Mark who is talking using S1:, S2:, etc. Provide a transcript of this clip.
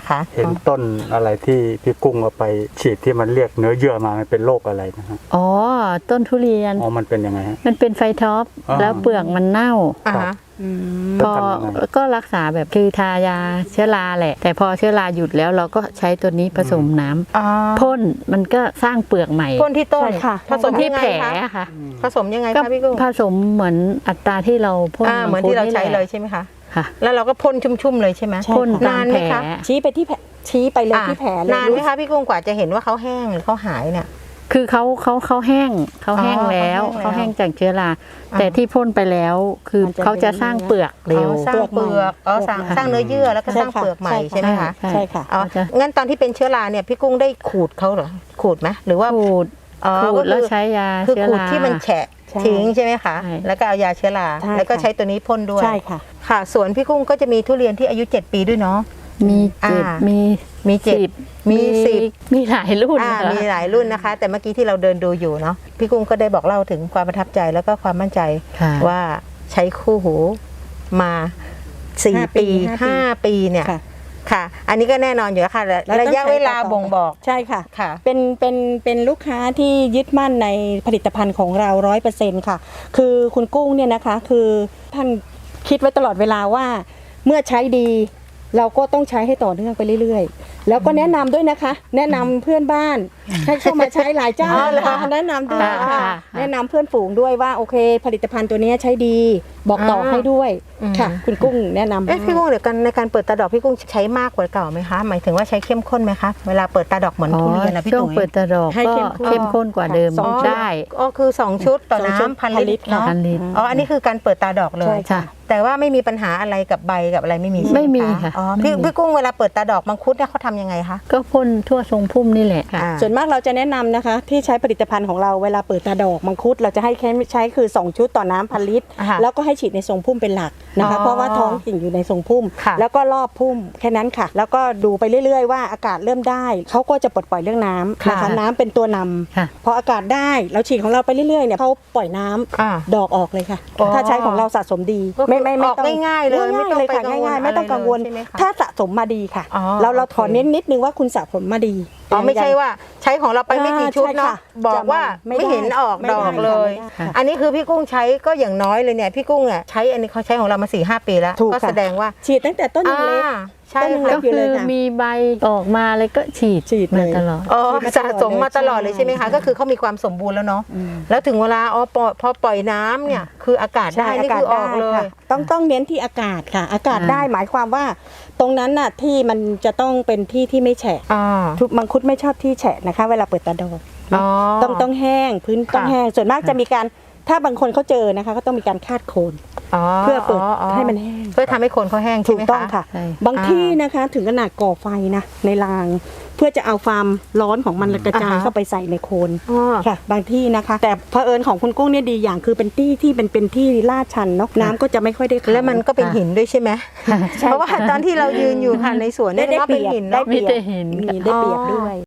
S1: นะคะ
S2: เห็นต้นอะไรที่พี่กุ้งเอาไปฉีดที่มันเรียกเนื้อเยื่อมามันเป็นโรคอะไรนะฮะ
S3: อ๋อต้นทุเรียน
S2: อ๋อมันเป็นยังไงฮะ
S3: มันเป็นไฟท็อป
S2: อ๋อ
S3: แล้วเปลือกมันเน่า
S1: อ่าฮะ
S3: พอก็รักษาแบบคือทายาเชื้อราแหละ แต่พอเชื้อราหยุดแล้วเราก็ใช้ตัวนี้ผสมน้ำพ่นมันก็สร้างเปลือกใหม่
S1: พ่นที่ต้น
S4: ใช่ค่ะ
S1: ผสม
S3: ที่
S1: ยังไง
S3: แผล
S1: คะ
S3: ค่ะ
S1: ผสมยังไง
S3: ก็
S1: คะพี่กุ้ง
S3: ผสมเหมือนอัตราที่เราพ่น
S1: เหมือนที่เราใช้เลยใช่ไหมคะ
S3: ค่ะ
S1: แล้วเราก็พ่นชุ่มๆเลยใช่ไหม
S4: ใช่
S3: พ่นตาน
S1: าม น
S3: แผ
S1: ไหม
S3: ล
S1: คะ
S4: ชี้ไปที่แผลชี้ไปเลยที่แผลเลย
S1: นานไหมคะพี่กุ้งกว่าจะเห็นว่าเขาแห้งหรือเขาหายเนี่ย
S3: คือเขาแห้งแล้ว
S1: เขา
S3: เขา
S1: แห้
S3: แห้
S1: ง
S3: งจากเชื้อรา
S1: อ่า
S3: แต่ที่พ่นไปแล้วคือเขาจะสร้างเปลือกเร็ว
S1: สร้างเปลือกสร้างเนื้อเยื่อแล้วก็สร้างเปลือกใหม่ใช่ไหมคะ
S4: ใช่ค่ะ
S1: อ๋องั้นตอนที่เป็นเชื้อราเนี่ยพี่กุ้งได้ขูดเขาเหรอขูดไหมหรือว่า
S3: ขูด
S1: อ๋อ
S3: ขูดแล้วใช้ยา
S1: คือ
S3: เชื้อ
S1: ขูด
S3: รา
S1: ที่มันแฉะ
S4: ใช่
S1: ทิ้งใช่ไหมคะ
S3: ใช่
S1: แล้วก็เอายาเชื้อรา
S4: ใช่
S1: แล้วก็
S4: ค่ะ
S1: ใช้ตัวนี้พ่นด้วย
S4: ใช่ค่ะ
S1: ค่ะสวนพี่กุ้งก็จะมีทุเรียนที่อายุ 7 ปีด้วยเนาะ
S3: มีเจ็ด
S1: อ่ามี
S3: มี
S1: เจ็ด
S3: สิบ
S1: มีสิบ
S3: มีหลายรุ่น
S1: มีหลายรุ่นนะคะ แต่เมื่อกี้ที่เราเดินดูอยู่เนาะพี่กุ้งก็ได้บอกเล่าถึงความประทับใจแล้วก็ความมั่นใจ
S3: ค่ะ
S1: ว่าใช้คู่หูมา4 ปี 5 ปีเนี่ย
S4: ค่ะ
S1: ค่ะ อันนี้ก็แน่นอนอยู่แล้วค่ะ
S4: แล้วต้อง
S1: ระยะเวลา
S4: ใช้ต่อ
S1: บ่งบอก
S4: ใช่ค่ะ
S1: ค่ะ
S4: เป็นลูกค้าที่ยึดมั่นในผลิตภัณฑ์ของเรา 100%ค่ะ คือคุณกุ้งเนี่ยนะคะ คือท่านคิดไว้ตลอดเวลาว่าเมื่อใช้ดี เราก็ต้องใช้ให้ต่อเนื่องไปเรื่อยๆ แล้วก็แนะนำด้วยนะคะ แนะนำเพื่อนบ้านให้เข้ามาใช้หลายเจ้า
S1: อ๋อเหรอ
S4: แนะนำด้วย
S3: ค่ะ
S4: ค่ะ แนะนำเพื่อนฝูงด้วยว่าโอเค ผลิตภัณฑ์ตัวนี้ใช้ดี บอกต่อให้ด้วยค่ะ คุณกุ้งแนะนำ
S1: พี่กุ้งเดี๋ยวกันในการเปิดตาดอกพี่กุ้งใช้มากกว่าเก่าไหมคะหมายถึงว่าใช้เข้มข้นไหมคะเวลาเปิดตาดอกเหมือนทุเรียนนะพี่
S3: ช่วง
S1: ตุ๋ย
S3: เปิดตะดอก
S4: ให้
S3: ก็
S4: เข้มข้น
S3: เข้มข้นกว่าเดิม
S4: สองชุด
S3: ได้
S1: อ๋อคือ2 ชุดต่อ
S4: สองชุด
S1: น้ำพัน
S4: พันลิ
S1: ลิต
S4: ต
S1: ร
S4: ร
S1: เนาะ
S3: พันลิตร
S1: อ๋ออันนี้คือการเปิดตาดอกเลย
S4: ใช่ค่ะ
S1: แต่ว่าไม่มีปัญหาอะไรกับใบกับอะไรไม่มีใช่ห
S3: ไม่มีค่ะ
S1: อ๋อ
S3: ไม่มี
S1: พี่กุ้งเวลาเปิดตาดอกมังคุดเนี่ยเขาทำยังไงคะ
S3: ก็พ่นทั่วทรงพุ่มนี่แหละค่ะ
S1: อ่า
S4: ส่วนมากเราจะแนะนำนะคะ ที่ใช้ผลิตภัณฑ์ของเราเวลาเปิดตาดอกมังคุดเราจะให้ใช้คือ 2 ชุดต่อน้ำพันลิตร
S1: อ่าฮะ
S4: แล้วก็ให้ฉีดในทรงพุ่มเป็นหลักนะคะ
S1: อ๋อ
S4: เพราะว่าท้องกิ่งอยู่ในทรงพุ่ม
S1: ค่ะ
S4: แล้วก็รอบพุ่มแค่นั้นค่ะ แล้วก็ดูไปเรื่อยๆว่าอากาศเริ่มได้เขาก็จะปลดปล่อยเรื่องน้ำนะคะ
S1: ค่ะ
S4: น้ำเป็นตัวนำ
S3: ค่ะ
S4: พออากาศได้เราฉีดของเราไปเรื่อยๆเนี่ยเขาปล่อยน้ำ
S1: อ่า
S4: ดอกออกเลยค่ะ
S1: อ๋อ
S4: ถ้าใช้ของเราสะสมดี
S1: ก็คือออก
S4: ต้อง
S1: ง่ายๆเลยไม่
S4: ง่าย
S1: ต้อง
S4: ๆเลยค่ะ
S1: ไปกังวล
S4: ง่ายๆไม่ต้องกังวล
S1: อะไรเลยใช่ไหมคะ
S4: ถ้าสะสมมาดีค่ะ
S1: อ๋อ
S4: เรา
S1: โอเค
S4: ขอเน้นนิดนึงว่าคุณสะสมมาดี
S1: อ๋อไม่ใช่ว่าใช้ของเราไปไม่กี่ชุดเนาะ
S4: ใช่ค่ะ
S1: บอกว่า
S4: ไม่ได้
S1: ไม่เห็นออก
S4: ไม่
S1: ด
S4: ได้
S1: อกเลย
S4: ไม่ได้ค่ะ
S1: อันนี้คือพี่กุ้งใช้ก็อย่างน้อยเลยเนี่ยพี่กุ้งอ่ะใช้อันนี้เขาใช้ของเรามา 4-5 ปีแล้ว
S4: ถูก
S1: ก็
S4: ค่ะ
S1: แสดงว่า
S4: ฉีดตั้งแต่ต้นยังเล็ก
S1: ใช่
S4: ต้นยังเล็
S1: ค่ะ
S3: ก็คือมีใบออกมาเลยก็ฉีด
S4: ฉีด
S3: มา
S4: เลย
S3: ตลอด
S1: อ๋อ
S4: ฉีดมาตลอด
S1: สะสมมาตลอดเลย
S4: ใช่
S1: ใช่ไหมคะก็คือเขามีความสมบูรณ์แล้วเนาะ
S4: อืม
S1: แล้วถึงเวลาพอปล่อยน้ำเนี่ยคืออากาศได้นี่คือออกเลย
S4: ค่ะต้องเน้นที่อากาศค่ะ อากาศ
S3: อ่า
S4: ได้หมายความว่า ตรงนั้นน่ะที่มันจะต้องเป็นที่ที่ไม่แฉะ
S1: อ่า
S4: ทุกมังคุดไม่ชอบที่แฉะนะคะ เวลาเปิดตาดอก
S1: อ๋อ
S4: ต้องแห้งพื้นต้องแห้งส่วนมากจะมีการถ้าบางคนเขาเจอนะคะก็ต้องมีการคาดโคนเพื่อเปิดให้มันแห้ง
S1: เพื่อทำให้โคนเขาแห้งใช่
S4: ถู
S1: ไห
S4: ก
S1: ม
S4: ต้อง
S1: คะ
S4: ค่ะ
S3: ใช่
S4: บางที่นะคะถึงขนาดก่อไฟนะในราง เพื่อจะเอาความร้อนของมันกระจาย
S1: อ่าฮะ
S4: เข้าไปใส่ในโคน
S1: อ๋อ
S4: ค่ะ บางที่นะคะ แต่เผอิญของคุณกุ้งเนี่ยดีอย่างคือเป็นที่เป็นที่ลาดชันเนาะน้ำก็จะไม่ค่อยได้เข้า
S1: แล้วมันก็เป็นหินด้วยใช่ไหมเพราะว่าตอนที่เรายืนอยู่ค่ะในสวนเนี่ย
S4: ได้
S1: ก็
S4: เป
S1: เป็น
S4: รียบ
S1: หิน
S4: ได้
S1: เนาะ
S4: เปรียบ
S3: มีแต่หิน
S4: มีได้เปรียบด้วย